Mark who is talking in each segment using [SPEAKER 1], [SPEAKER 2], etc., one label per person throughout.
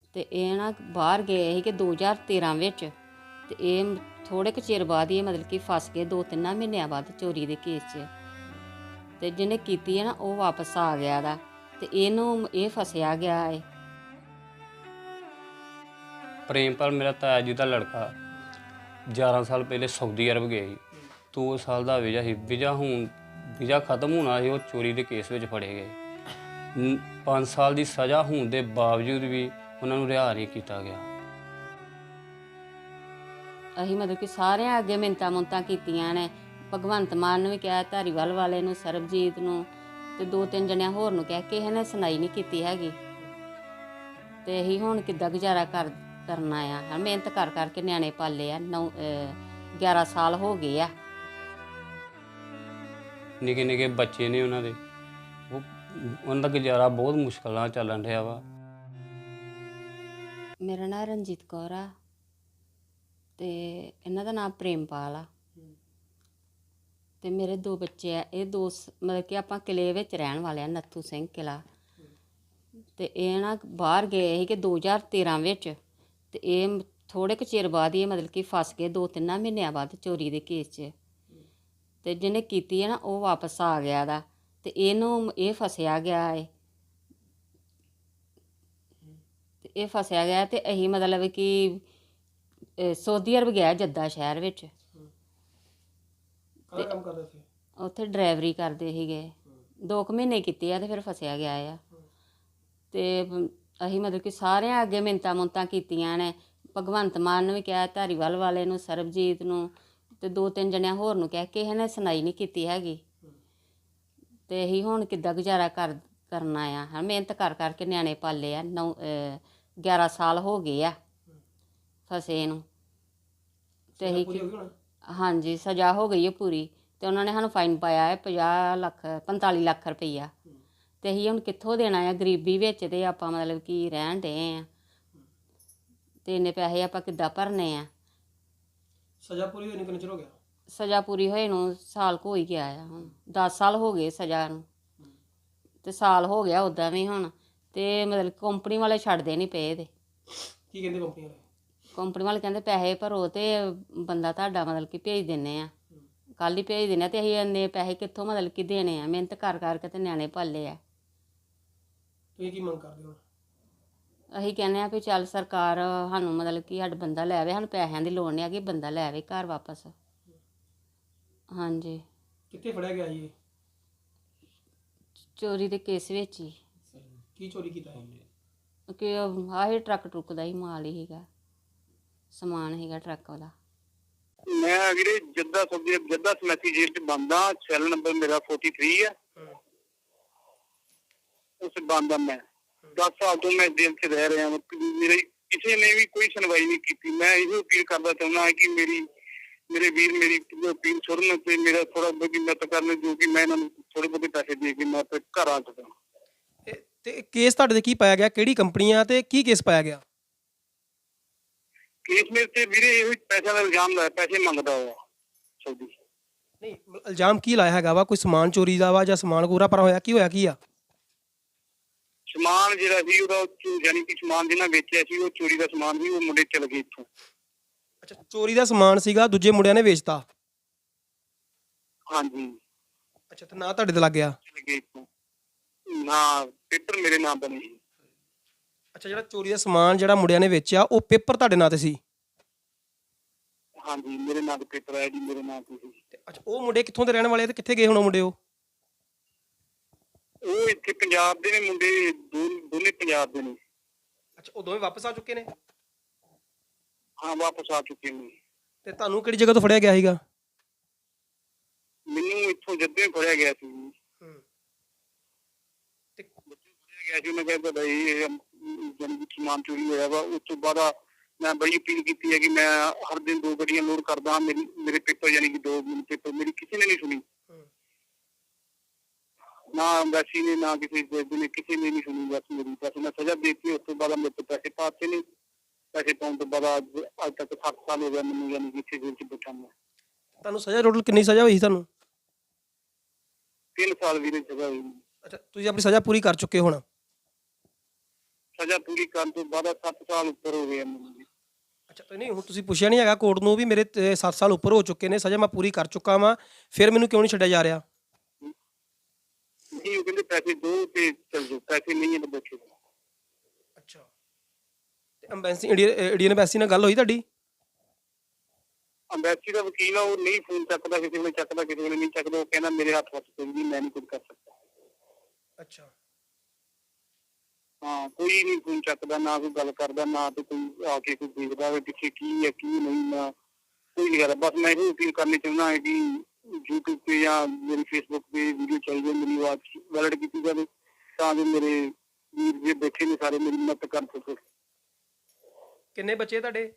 [SPEAKER 1] ਤੇ ਇਹ ਨਾ ਬਾਹਰ ਗਏ ਸੀ ਕਿ 2013 ਵਿੱਚ। ਤੇ ਇਹ ਥੋੜੇ ਕੁ ਚਿਰ ਬਾਅਦ ਹੀ ਮਤਲਬ ਕਿ ਫਸ ਗਏ 2-3 ਮਹੀਨਿਆਂ ਬਾਅਦ ਚੋਰੀ ਦੇ ਕੇਸ 'ਚ। ਤੇ ਜਿਹਨੇ ਕੀਤੀ ਹੈ ਨਾ ਉਹ ਵਾਪਸ ਆ ਗਿਆ ਦਾ, ਤੇ ਇਹਨੂੰ ਇਹ ਫਸਿਆ ਗਿਆ ਹੈ।
[SPEAKER 2] ਪ੍ਰੇਮਪਾਲ ਮੇਰਾ ਤਾਇਆ ਜੀ ਦਾ ਲੜਕਾ 11 ਸਾਲ ਪਹਿਲੇ ਸਾਊਦੀ ਅਰਬ ਗਿਆ ਸੀ। 2 ਸਾਲ ਦਾ ਵੀਜ਼ਾ ਖਤਮ ਹੋਣਾ ਸੀ, ਉਹ ਚੋਰੀ ਦੇ ਕੇਸ ਵਿੱਚ ਫੜੇ ਗਏ। 5 ਸਾਲ ਦੀ ਸਜ਼ਾ ਹੋਣ ਦੇ ਬਾਵਜੂਦ ਵੀ ਉਹਨਾਂ ਨੂੰ ਰਿਹਾ ਨਹੀਂ ਕੀਤਾ ਗਿਆ।
[SPEAKER 1] ਅਸੀਂ ਮਤਲਬ ਕਿ ਸਾਰਿਆਂ ਅੱਗੇ ਮਿੰਨਤਾਂ ਮੁੰਨਤਾਂ ਕੀਤੀਆਂ ਨੇ। ਭਗਵੰਤ ਮਾਨ ਨੂੰ ਵੀ ਕਿਹਾ, ਧਾਰੀਵਾਲ ਵਾਲੇ ਨੂੰ, ਸਰਬਜੀਤ ਨੂੰ, ਤੇ 2-3 ਜਣਿਆਂ ਹੋਰ ਨੂੰ ਕਿਹਾ, ਕਿਸੇ ਨੇ ਸੁਣਾਈ ਨਹੀਂ ਕੀਤੀ ਹੈਗੀ। ਤੇ ਅਸੀਂ ਹੁਣ ਕਿੱਦਾਂ ਗੁਜ਼ਾਰਾ ਕਰਨਾ ਆ। ਮਿਹਨਤ ਕਰ ਕਰਕੇ ਨਿਆਣੇ ਪਾਲੇ ਆ। 11 ਸਾਲ ਹੋ ਗਏ ਆ।
[SPEAKER 2] ਨਿੱਕੇ ਨਿੱਕੇ ਬੱਚੇ ਨੇ ਉਹਨਾਂ ਦੇ, ਉਹਨਾਂ ਦਾ ਗੁਜ਼ਾਰਾ ਬਹੁਤ ਮੁਸ਼ਕਲ ਨਾਲ ਚੱਲਣ ਰਿਹਾ ਵਾ।
[SPEAKER 1] ਮੇਰਾ ਨਾਂ ਰਣਜੀਤ ਕੌਰ ਆ ਤੇ ਇਹਨਾਂ ਦਾ ਨਾਮ ਪ੍ਰੇਮਪਾਲ ਆ। ਤੇ ਮੇਰੇ 2 ਬੱਚੇ ਆ। ਇਹ 2 ਮਤਲਬ ਕਿ ਆਪਾਂ ਕਿਲੇ ਵਿੱਚ ਰਹਿਣ ਵਾਲੇ ਆ, ਨੱਥੂ ਸਿੰਘ ਕਿਲਾ। ਤੇ ਇਹ ਨਾ ਬਾਹਰ ਗਏ ਸੀ ਕਿ 2013 ਵਿੱਚ। ਤੇ ਇਹ ਥੋੜੇ ਕੁ ਚਿਰ ਬਾਅਦ ਹੀ ਮਤਲਬ ਕਿ ਫਸ ਗਏ 2-3 ਮਹੀਨਿਆਂ ਬਾਅਦ ਚੋਰੀ ਦੇ ਕੇਸ 'ਚ। ਤੇ ਜਿਹਨੇ ਕੀਤੀ ਹੈ ਨਾ ਉਹ ਵਾਪਸ ਆ ਗਿਆ ਦਾ, ਤੇ ਇਹਨੂੰ ਇਹ ਫਸਿਆ ਗਿਆ ਹੈ। ਤੇ ਇਹ ਫਸਿਆ ਗਿਆ ਤੇ ਅਸੀਂ ਮਤਲਬ ਕਿ ਸਾਊਦੀ ਅਰਬ ਗਿਆ, ਜੱਦਾ ਸ਼ਹਿਰ ਵਿੱਚ।
[SPEAKER 3] ਕੰਮ ਕਰਦੇ ਸੀ
[SPEAKER 1] ਉੱਥੇ ਡਰਾਈਵਰੀ ਕਰਦੇ ਸੀਗੇ। 2 ਮਹੀਨੇ ਕੀਤੇ ਆ ਤੇ ਫਿਰ ਫਸਿਆ ਗਿਆ ਆ। ਤੇ ਅਸੀਂ ਮਤਲਬ ਕਿ ਸਾਰਿਆਂ ਅੱਗੇ ਮਿੰਨਤਾਂ ਮੁੰਨਤਾਂ ਕੀਤੀਆਂ ਨੇ। ਭਗਵੰਤ ਮਾਨ ਨੂੰ ਵੀ ਕਿਹਾ, ਧਾਰੀਵਾਲ ਵਾਲੇ ਨੂੰ, ਸਰਬਜੀਤ ਨੂੰ, ਤੇ 2-3 ਜਣਿਆਂ ਹੋਰ ਨੂੰ ਕਿਹਾ, ਕਿਸੇ ਨੇ ਸੁਣਾਈ ਨਹੀਂ ਕੀਤੀ ਹੈਗੀ। ਤੇ ਅਸੀਂ ਹੁਣ ਕਿੱਦਾਂ ਗੁਜ਼ਾਰਾ ਕਰਨਾ ਆ। ਮਿਹਨਤ ਕਰ ਕਰਕੇ ਨਿਆਣੇ ਪਾਲੇ ਆ। 11 ਸਾਲ ਹੋ ਗਏ ਆ ਫਸੇ ਨੂੰ। ਤੇ ਅਸੀਂ ਹਾਂਜੀ ਸਜ਼ਾ ਹੋ ਗਈ ਹੈ ਪੂਰੀ। ਤੇ ਉਹਨਾਂ ਨੇ ਸਾਨੂੰ ਫਾਈਨ ਪਾਇਆ ਹੈ 45 ਲੱਖ ਰੁਪਈਆ। ਤੇ ਅਸੀਂ ਹੁਣ ਕਿੱਥੋਂ ਦੇਣਾ ਆ, ਗਰੀਬੀ ਵਿੱਚ ਤੇ ਆਪਾਂ ਮਤਲਬ ਕਿ ਰਹਿਣ ਡਏ ਆ। ਤੇ ਇੰਨੇ ਪੈਸੇ ਆਪਾਂ ਕਿੱਦਾਂ ਭਰਨੇ ਆ।
[SPEAKER 3] ਸਜ਼ਾ ਪੂਰੀ ਹੋਈ ਕਿੰਨਾ ਚਿਰ ਹੋ ਗਿਆ?
[SPEAKER 1] ਸਜ਼ਾ ਪੂਰੀ ਹੋਏ ਨੂੰ ਸਾਲ ਕੁ ਹੋ ਹੀ ਗਿਆ ਆ। ਹੁਣ 10 ਸਾਲ ਹੋ ਗਏ ਸਜ਼ਾ ਨੂੰ, ਤੇ ਸਾਲ ਹੋ ਗਿਆ ਉੱਦਾਂ ਵੀ ਹੁਣ। ਤੇ ਮਤਲਬ ਕੰਪਨੀ ਵਾਲੇ ਛੱਡਦੇ ਨਹੀਂ ਪਏ। ਤੇ
[SPEAKER 3] ਕੀ ਕਹਿੰਦੇ ਕੰਪਨੀ ਵਾਲੇ?
[SPEAKER 1] ਕੰਪਨੀ ਵਾਲੇ ਕਹਿੰਦੇ ਪੈਸੇ ਭਰੋ ਤੇ ਬੰਦਾ ਤੁਹਾਡਾ ਮਤਲਬ ਕਿ ਭੇਜ ਦਿੰਦੇ ਆ, ਕੱਲ੍ਹ ਹੀ ਭੇਜ ਦਿੰਦੇ ਆ। ਤੇ ਅਸੀਂ ਇੰਨੇ ਪੈਸੇ ਕਿੱਥੋਂ ਮਤਲਬ ਕਿ ਦੇਣੇ ਆ। ਮਿਹਨਤ ਕਰ ਕਰਕੇ ਤੇ ਨਿਆਣੇ ਪਾਲੇ ਆ।
[SPEAKER 3] ਤੁਸੀਂ ਕੀ ਮੰਗ ਕਰਦੇ ਹੋ?
[SPEAKER 1] ਅਸੀਂ ਕਹਿੰਦੇ ਆ ਵੀ ਚੱਲ ਸਰਕਾਰ ਸਾਨੂੰ ਮਤਲਬ ਕਿ ਸਾਡਾ ਬੰਦਾ ਲੈ ਆਵੇ। ਸਾਨੂੰ ਪੈਸਿਆਂ ਦੀ ਲੋੜ ਨਹੀਂ ਹੈਗੀ, ਬੰਦਾ ਲੈ ਆਵੇ ਘਰ ਵਾਪਸ। ਹਾਂਜੀ।
[SPEAKER 3] ਕਿੱਥੇ ਫੜਿਆ ਗਿਆ ਜੀ?
[SPEAKER 1] ਚੋਰੀ ਦੇ ਕੇਸ ਵਿੱਚ ਹੀ।
[SPEAKER 3] ਕੀ ਚੋਰੀ ਕੀਤਾ ਹੈ?
[SPEAKER 1] ਕਿ ਆਹੀ ਟਰੱਕ ਟਰੁੱਕ ਦਾ ਹੀ ਮਾਲ ਹੀ ਸੀਗਾ, ਸਮਾਨ ਸੀਗਾ ਟਰੱਕ ਵਾਲਾ।
[SPEAKER 4] ਮੈਂ ਵੀਰੇ ਜੱਦਾ ਸਮੈਸੀ ਜੇਲ੍ਹ ਚ ਬੰਦਾ। ਸੈੱਲ ਨੰਬਰ ਮੇਰਾ 43 ਹੈ। ਉਸ ਬੰਦਾ ਮੈਂ 10 ਸਾਲ ਤੋਂ ਮੈਂ ਜੇਲ੍ਹ ਚ ਰਹਿ ਰਿਹਾ। ਮੇਰੇ ਕਿਸੇ ਨੇ ਵੀ ਕੋਈ ਸੁਣਵਾਈ ਨਹੀਂ ਕੀਤੀ। ਮੈਂ ਇਹੋ ਅਪੀਲ ਕਰਦਾ ਚਾਹੁੰਦਾ ਹਾਂ ਕਿ ਮੇਰੇ ਵੀਰ ਮੇਰੀ ਅਪੀਲ ਸੁਣਨ ਤੇ ਮੇਰਾ ਥੋੜਾ ਬਹੁਤੀ ਮਦਦ ਕਰਨ, ਜੋ ਕਿ ਮੈਂ ਇਹਨਾਂ ਨੂੰ ਥੋੜੇ ਬਹੁਤੇ ਪੈਸੇ ਦੇ ਕੇ ਮੈਂ ਆਪਣੇ ਘਰ ਆ ਸਕਾਂ।
[SPEAKER 3] ਤੇ ਕੇਸ ਤੁਹਾਡੇ ਤੇ ਕੀ ਪਾਇਆ ਗਿਆ? ਕਿਹੜੀ ਕੰਪਨੀ ਆ ਤੇ ਕੀ ਕੇਸ ਪਾਇਆ ਗਿਆ?
[SPEAKER 4] ਕੇਸ ਮੇਰੇ ਤੇ ਵੀਰੇ ਇਹੋ ਪੈਸਿਆਂ ਦਾ ਇਲਜ਼ਾਮ ਲਾਇਆ, ਪੈਸੇ ਮੰਗਦਾ ਹੋਇਆ ਸਾਊਦੀ।
[SPEAKER 3] ਨਹੀਂ, ਇਲਜ਼ਾਮ ਕੀ ਲਾਇਆ ਹੈਗਾ ਵਾ? ਕੋਈ ਸਮਾਨ ਚੋਰੀ ਦਾ ਵਾ ਜਾਂ ਸਮਾਨ ਪੂਰਾ ਪਰ ਹੋਇਆ? ਕੀ ਹੋਇਆ, ਕੀ ਆ?
[SPEAKER 4] ਸਮਾਨ ਜਿਹੜਾ ਸੀ ਉਹਦਾ ਯਾਨੀ ਕਿ ਸਮਾਨ ਜਿਹਨਾਂ ਵੇਚਿਆ ਸੀ ਉਹ ਚੋਰੀ ਦਾ ਸਮਾਨ ਵੀ, ਉਹ ਮੁੰਡੇ ਚਲ ਗਏ ਇੱਥੋਂ।
[SPEAKER 3] ਅੱਛਾ, ਚੋਰੀ ਦਾ ਸਮਾਨ ਸੀਗਾ, ਦੂਜੇ ਮੁੰਡਿਆਂ ਨੇ ਵੇਚਤਾ?
[SPEAKER 4] ਹਾਂਜੀ।
[SPEAKER 3] ਅੱਛਾ, ਤੇ ਨਾ ਤੁਹਾਡੇ ਤੇ ਲੱਗ ਗਿਆ?
[SPEAKER 4] ਚਲੇ ਗਏ ਇੱਥੋਂ। ਨਾ ਪੇਪਰ ਮੇਰੇ ਨਾਮ ਦਾ ਨਹੀਂ।
[SPEAKER 3] ਅੱਛਾ, ਜਿਹੜਾ ਚੋਰੀ ਦਾ ਸਮਾਨ ਜਿਹੜਾ ਮੁੰਡਿਆਂ ਨੇ ਵੇਚਿਆ ਉਹ ਪੇਪਰ ਤੁਹਾਡੇ ਨਾਂ ਤੇ ਸੀ?
[SPEAKER 4] ਹਾਂਜੀ, ਮੇਰੇ ਨਾਂ ਤੇ ਪੇਪਰ ਆਇਆ ਜੀ, ਮੇਰੇ ਨਾਂ ਤੇ ਸੀ।
[SPEAKER 3] ਅੱਛਾ, ਉਹ ਮੁੰਡੇ ਕਿੱਥੋਂ ਦੇ ਰਹਿਣ ਵਾਲੇ ਤੇ ਕਿੱਥੇ ਗਏ ਹੁਣ ਉਹ ਮੁੰਡੇ?
[SPEAKER 4] ਉਹ ਇੱਥੇ ਪੰਜਾਬ ਦੇ ਨੇ ਮੁੰਡੇ, ਦੋਨੇ ਪੰਜਾਬ ਦੇ ਨੇ।
[SPEAKER 3] ਅੱਛਾ, ਉਹ ਦੋਵੇਂ ਵਾਪਸ ਆ ਚੁੱਕੇ ਨੇ?
[SPEAKER 4] ਹਾਂ, ਵਾਪਸ ਆ ਚੁੱਕੇ ਨੇ।
[SPEAKER 3] ਤੇ ਤੁਹਾਨੂੰ ਕਿਹੜੀ ਜਗ੍ਹਾ ਤੋਂ ਫੜਿਆ ਗਿਆ ਸੀਗਾ?
[SPEAKER 4] ਮੈਨੂੰ ਇੱਥੋਂ ਜੱਦੇ ਫੜਿਆ ਗਿਆ ਸੀ।
[SPEAKER 3] ਤੇ
[SPEAKER 4] ਫੜਿਆ ਗਿਆ ਸੀ, ਉਹਨੇ ਕਿਹਾ ਤੁਹਾਡਾ ਇਹ ਸਮਾਨ ਚੋਰੀ ਹੋਇਆ ਵਾ। ਉਸ ਤੋਂ ਬਾਅਦ ਮੈਂ ਬੜੀ ਅਪੀਲ ਕੀਤੀ ਹੈ ਕਿ ਮੈਂ ਹਰ ਦਿਨ 2 ਗੱਡੀਆਂ ਲੋਡ ਕਰਦਾ ਹਾਂ। ਮੇਰੇ ਪੇਪਰ ਯਾਨੀ ਕਿ 2 ਪੇਪਰ ਮੇਰੀ ਕਿਸੇ ਨੇ ਨਹੀਂ ਸੁਣੀ, ਨਾ ਐਮਬੈਸੀ ਨੇ, ਨਾ ਕਿਸੇ ਨੇ, ਕਿਸੇ ਨੇ ਨਹੀਂ ਸੁਣੀ। ਬਸ ਮੈਂ ਸਜ਼ਾ ਦੇ ਦਿੱਤੀ। ਉਸ ਤੋਂ ਬਾਅਦ ਮੇਰੇ ਤੋਂ ਪੈਸੇ ਪਾਤੇ ਨੇ। ਪੈਸੇ ਪਾਉਣ ਤੋਂ ਬਾਅਦ ਅੱਜ ਤੱਕ 7 ਸਾਲ ਹੋ ਗਿਆ ਮੈਨੂੰ, ਯਾਨੀ ਕਿ ਇੱਥੇ ਜੇਲ੍ਹ ਚ ਬੈਠਾ ਮੈਂ।
[SPEAKER 3] ਤੁਹਾਨੂੰ ਸਜ਼ਾ ਟੋਟਲ ਕਿੰਨੀ ਸਜ਼ਾ ਹੋਈ ਤੁਹਾਨੂੰ?
[SPEAKER 4] 3 ਸਾਲ ਵੀਰੇ ਸਜ਼ਾ ਹੋਈ।
[SPEAKER 3] ਅੱਛਾ, ਤੁਸੀਂ ਆਪਣੀ ਸਜ਼ਾ ਪੂਰੀ ਕਰ ਚੁੱਕੇ ਹੁਣ?
[SPEAKER 4] ਸਜ਼ਾ ਪੂਰੀ ਕਰਨ ਤੋਂ ਬਾਅਦ 7 ਸਾਲ ਉੱਪਰ ਹੋ ਗਏ ਆ ਮੈਨੂੰ ਜੀ।
[SPEAKER 3] ਅੱਛਾ ਤੇ ਨਹੀਂ ਹੁਣ ਤੁਸੀਂ ਪੁੱਛਿਆ ਨਹੀਂ ਹੈਗਾ ਕੋਰਟ ਨੂੰ ਵੀ ਮੇਰੇ 7 ਸਾਲ ਉੱਪਰ ਹੋ ਚੁੱਕੇ ਨੇ, ਸਜ਼ਾ ਮੈਂ ਪੂਰੀ ਕਰ ਚੁੱਕਾ ਵਾਂ, ਫਿਰ ਮੈਨੂੰ ਕਿਉਂ ਨਹੀਂ ਛੱਡਿਆ ਜਾ ਰਿਹਾ?
[SPEAKER 4] ਨਹੀਂ, ਉਹ ਕਹਿੰਦੇ ਪੈਸੇ ਦਿਓ ਤੇ ਚੱਲ ਜਾਓ, ਪੈਸੇ ਨਹੀਂ ਹੈ ਤਾਂ ਬੈਠੋ।
[SPEAKER 3] ਅੱਛਾ ਤੇ ਅੰਬੈਸੀ ਇੰਡੀਅਨ ਐਮਬੈਸੀ ਨਾਲ ਗੱਲ ਹੋਈ ਤੁਹਾਡੀ?
[SPEAKER 4] ਅੰਬੈਸੀ ਦਾ ਵਕੀਲ ਆ, ਉਹ ਨਹੀਂ ਫੋਨ ਚੱਕਦਾ, ਕਿਸੇ ਵੇਲੇ ਚੱਕਦਾ, ਕਿਸੇ ਵੇਲੇ ਨਹੀਂ ਚੱਕਦਾ। ਉਹ ਕਹਿੰਦਾ ਮੇਰੇ ਹੱਥ ਵਿੱਚ ਕੋਈ ਨਹੀਂ, ਮੈਂ ਨਹੀਂ ਕੁਝ ਕਰ ਸਕਦਾ।
[SPEAKER 3] ਅੱਛਾ
[SPEAKER 4] ਹਾਂ, ਕੋਈ ਨਹੀਂ ਫੋਨ ਚੱਕਦਾ, ਨਾ ਕੋਈ ਗੱਲ ਕਰਦਾ, ਨਾ ਤੇ ਕੋਈ ਆ ਕੇ ਕੋਈ ਦੇਖਦਾ ਵੀ ਪਿੱਛੇ ਕੀ ਹੈ ਕੀ ਨਹੀਂ, ਨਾ ਕੋਈ ਨਹੀਂ ਕਰਦਾ। ਬਸ ਮੈਂ ਇਹੋ ਅਪੀਲ ਕਰਨੀ ਚਾਹੁੰਦਾ ਹਾਂ ਕਿ YouTube ਤੇ ਜਾਂ ਮੇਰੀ Facebook ਤੇ ਵੀਡੀਓ ਚੱਲ ਜਾਏ, ਮੇਰੀ ਆਵਾਜ਼ ਵੈਲਿਡ ਕੀਤੀ ਜਾਵੇ ਤਾਂ ਜੋ ਮੇਰੇ ਵੀਰ ਜੇ ਬੈਠੇ ਨੇ ਸਾਰੇ ਮੇਰੀ ਮਦਦ ਕਰ ਸਕਣ।
[SPEAKER 3] ਕਿੰਨੇ ਬੱਚੇ ਤੁਹਾਡੇ?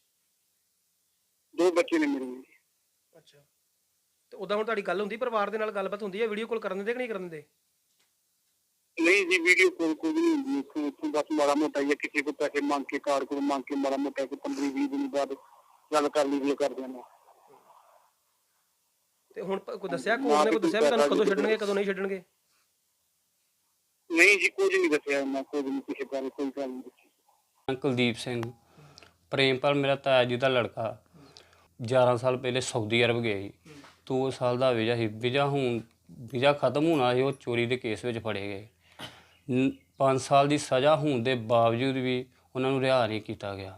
[SPEAKER 4] 2 ਬੱਚੇ ਨੇ ਮੇਰੇ।
[SPEAKER 3] ਅੱਛਾ ਤੇ ਉਦਾਂ ਹੁਣ ਤੁਹਾਡੀ ਗੱਲ ਹੁੰਦੀ ਪਰਿਵਾਰ ਦੇ ਨਾਲ, ਗੱਲਬਾਤ ਹੁੰਦੀ ਹੈ, ਵੀਡੀਓ ਕਾਲ ਕਰਨ ਦਿੰਦੇ ਕਿ ਨਹੀਂ ਕਰਨ ਦਿੰਦੇ?
[SPEAKER 4] ਨਹੀਂ ਜੀ, ਵੀਡੀਓ ਕੋਲ ਕੋਈ ਨਹੀਂ ਹੁੰਦੀ ਇੱਥੋਂ ਬਸ ਮਾੜਾ ਮੋਟਾ ਹੀ ਕਿਸੇ ਕੋਲ ਪੈਸੇ ਮੰਗ ਕੇ, ਕਾਰਡ ਕੋਲ ਮੰਗ ਕੇ ਮਾੜਾ ਮੋਟਾ ਕੋਈ 15-20 ਦਿਨ ਬਾਅਦ ਗੱਲ ਕਰ ਲਈ ਕਰਦੇ ਨੇ।
[SPEAKER 3] ਤੇ ਹੁਣ ਕੋਈ ਦੱਸਿਆ ਕੋਰਟ ਨੇ, ਕੋਈ ਦੱਸਿਆ ਵੀ ਤੁਹਾਨੂੰ ਕਦੋਂ ਛੱਡਣਗੇ ਕਦੋਂ ਨਹੀਂ ਛੱਡਣਗੇ?
[SPEAKER 4] ਨਹੀਂ ਜੀ, ਕੁਝ ਨਹੀਂ ਦੱਸਿਆ ਉਹਨਾਂ, ਕੁਝ ਨਹੀਂ, ਕਿਸੇ ਬਾਰੇ ਕੋਈ ਗੱਲ ਨਹੀਂ ਦੱਸੀ।
[SPEAKER 2] ਕੁਲਦੀਪ ਸਿੰਘ, ਪ੍ਰੇਮਪਾਲ ਮੇਰਾ ਤਾਇਆ ਜੀ ਦਾ ਲੜਕਾ 11 ਸਾਲ ਪਹਿਲੇ ਸਾਊਦੀ ਅਰਬ ਗਿਆ ਸੀ। 2 ਸਾਲ ਦਾ ਵੀਜ਼ਾ ਸੀ, ਵੀਜ਼ਾ ਖਤਮ ਹੋਣਾ ਸੀ, ਉਹ ਚੋਰੀ ਦੇ ਕੇਸ ਵਿੱਚ ਫੜੇ ਗਏ। 5 ਸਾਲ ਦੀ ਸਜ਼ਾ ਹੋਣ ਦੇ ਬਾਵਜੂਦ ਵੀ ਉਹਨਾਂ ਨੂੰ ਰਿਹਾ ਨਹੀਂ ਕੀਤਾ ਗਿਆ।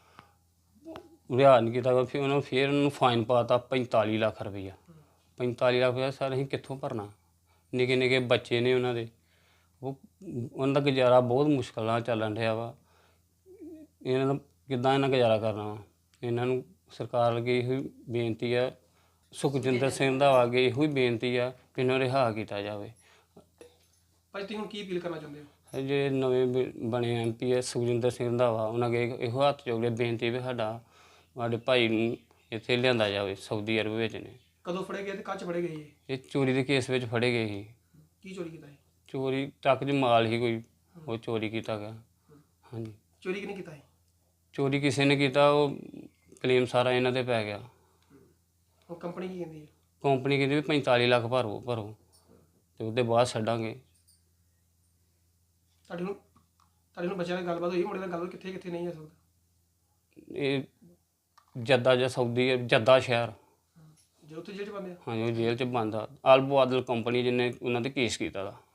[SPEAKER 2] ਫਿਰ ਉਹਨਾਂ ਨੂੰ ਫਾਈਨ ਪਾਤਾ 45 ਲੱਖ ਰੁਪਈਆ। 45 ਲੱਖ ਰੁਪਈਆ ਸਰ ਅਸੀਂ ਕਿੱਥੋਂ ਭਰਨਾ? ਨਿੱਕੇ ਨਿੱਕੇ ਬੱਚੇ ਨੇ ਉਹਨਾਂ ਦੇ, ਉਹਨਾਂ ਦਾ ਗੁਜ਼ਾਰਾ ਬਹੁਤ ਮੁਸ਼ਕਿਲ ਨਾਲ ਚੱਲਣ ਰਿਹਾ ਵਾ। ਇਹਨਾਂ ਦਾ ਕਿੱਦਾਂ ਗੁਜ਼ਾਰਾ ਕਰਨਾ ਵਾ? ਇਹਨਾਂ ਨੂੰ ਸਰਕਾਰ ਅੱਗੇ ਇਹੋ ਹੀ ਬੇਨਤੀ ਆ, ਸੁਖਜਿੰਦਰ ਸਿੰਘ ਰੰਧਾਵਾ ਅੱਗੇ ਇਹੋ ਹੀ ਬੇਨਤੀ ਆ ਕਿ ਇਹਨਾਂ ਨੂੰ ਰਿਹਾ ਕੀਤਾ ਜਾਵੇ।
[SPEAKER 3] ਭਾਈ ਤੁਸੀਂ ਹੁਣ ਕੀ ਅਪੀਲ ਕਰਨਾ ਚਾਹੁੰਦੇ ਹੋ?
[SPEAKER 2] ਜਿਹੜੇ ਨਵੇਂ ਬਣੇ MP ਆ ਸੁਖਜਿੰਦਰ ਸਿੰਘ ਰੰਧਾਵਾ, ਉਹਨਾਂ ਅੱਗੇ ਇਹੋ ਹੱਥ ਜੋੜ ਕੇ ਬੇਨਤੀ ਵੀ ਸਾਡੇ ਭਾਈ ਨੂੰ ਇੱਥੇ ਲਿਆਂਦਾ ਜਾਵੇ। ਸਾਊਦੀ ਅਰਬ ਵਿੱਚ ਨੇ।
[SPEAKER 3] ਕਦੋਂ ਫੜੇ ਗਏ ਤੇ ਕੱਚ ਫੜੇ ਗਏ?
[SPEAKER 2] ਇਹ ਚੋਰੀ ਦੇ ਕੇਸ ਵਿੱਚ ਫੜੇ ਗਏ ਸੀ।
[SPEAKER 3] ਕੀ ਚੋਰੀ ਕੀਤਾ ਹੈ?
[SPEAKER 2] ਚੋਰੀ ਟਰੱਕ 'ਚ ਮਾਲ ਹੀ ਕੋਈ, ਉਹ ਚੋਰੀ ਕੀਤਾ ਗਿਆ। ਹਾਂਜੀ,
[SPEAKER 3] ਚੋਰੀ ਕਿਹਨੇ ਕੀਤਾ ਹੈ?
[SPEAKER 2] ਚੋਰੀ ਕਿਸੇ ਨੇ ਕੀਤਾ, ਉਹ ਕਲੇਮ ਸਾਰਾ ਇਹਨਾਂ ਤੇ ਪੈ ਗਿਆ।
[SPEAKER 3] ਉਹ ਕੰਪਨੀ ਕੀ ਕਹਿੰਦੀ ਹੈ?
[SPEAKER 2] ਕੰਪਨੀ ਕਹਿੰਦੀ ਵੀ 45 ਲੱਖ ਭਰੋ ਤੇ ਉਹਦੇ ਬਾਅਦ ਛੱਡਾਂਗੇ।
[SPEAKER 3] ਤੁਹਾਡੇ ਨੂੰ ਬੱਚਿਆਂ ਨਾਲ ਗੱਲਬਾਤ ਹੋਈ, ਮੁੰਡੇ ਨਾਲ ਗੱਲਬਾਤ ਕਿੱਥੇ ਕਿੱਥੇ ਨਹੀਂ ਹੋ ਸਕਦਾ?
[SPEAKER 2] ਇਹ ਜੱਦਾ ਜਾਂ ਸਾਊਦੀ, ਜੱਦਾ ਸ਼ਹਿਰ।
[SPEAKER 3] ਜੇ ਉੱਥੇ ਜੇਲ੍ਹ ਚ ਬੰਦੇ ਆ?
[SPEAKER 2] ਹਾਂਜੀ, ਉਹ ਜੇਲ੍ਹ 'ਚ ਬੰਦ ਆ। ਅਲਬੋ ਆਦਲ ਕੰਪਨੀ ਜਿਹਨੇ ਉਹਨਾਂ ਤੇ ਕੇਸ ਕੀਤਾ ਦਾ।